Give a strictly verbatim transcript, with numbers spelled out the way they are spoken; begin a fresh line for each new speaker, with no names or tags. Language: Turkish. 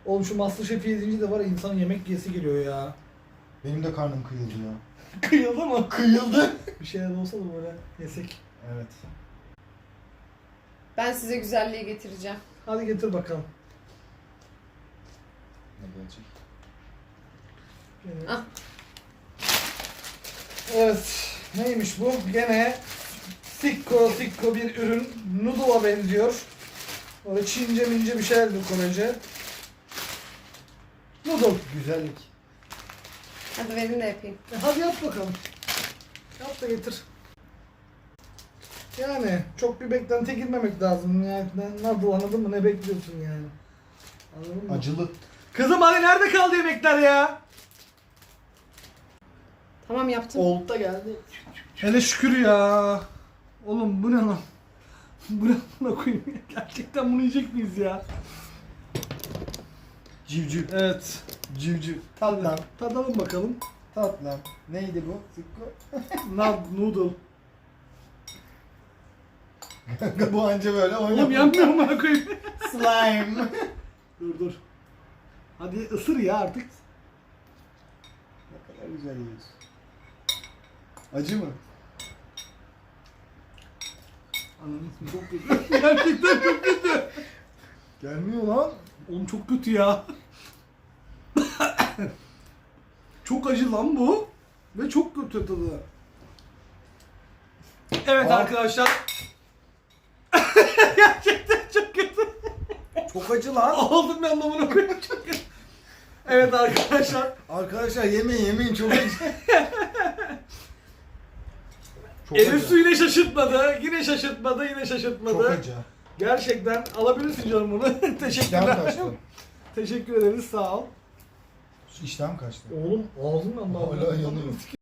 Oğlum şu MasterChef yedinci de var ya, insanın yemek yiyesi geliyor ya.
Benim de karnım kıyıldı ya.
Kıyıldı mı?
Kıyıldı.
Bir şeyler olsa da böyle yesek.
Evet.
Ben size güzelliği getireceğim.
Hadi getir bakalım.
Ne gelecek?
Gene-
Ah.
Evet. Neymiş bu? Gene sikko sikko bir ürün. Noodle'a benziyor. Böyle Çince mince bir şeyler bu Korece. Noodle.
Güzellik.
Hadi verin de yapayım.
E hadi yap bakalım. Yap da getir. Yani çok bir beklentiye girmemek lazım. Yani noodle, anladın mı? Ne bekliyorsun yani? Anladın mı?
Acılı.
Kızım hani nerede kaldı yemekler ya?
Tamam yaptım.
Old da geldi.
Hele şükür ya. Oğlum bu ne lan? Bu ne lan koyayım? Gerçekten bunu yiyecek miyiz ya?
Civciv.
Evet.
Civciv. Tatlım.
Tadalım bakalım.
Tatlım. Neydi bu? Sikko.
Nad noodle.
Bu anca böyle
Oğlum
oynuyor.
yanmıyor mu bana koyayım?
Slime.
Dur dur. Hadi ısır ya artık.
Ne kadar güzel yiyorsun. Acı mı?
Anladın mı? Çok kötü. Gerçekten çok kötü.
Gelmiyor lan.
Oğlum çok kötü ya. Çok acı lan bu. Ve çok kötü tadı. Evet
Aa.
arkadaşlar. Gerçekten çok kötü.
Çok acı lan.
Aldım ben anlamına koyayım, çok kötü. Evet arkadaşlar.
Arkadaşlar yemeyin yemeyin çok acı. Çok
Elif
acı.
su yine şaşırtmadı. Yine şaşırtmadı. Yine şaşırtmadı.
Çok acı.
Gerçekten alabilirsin canım bunu.
İştahım
Teşekkürler.
kaçtı.
Teşekkür ederiz. Sağ ol.
İştahım kaçtı.
Oğlum ağzından
Hala yanıyor.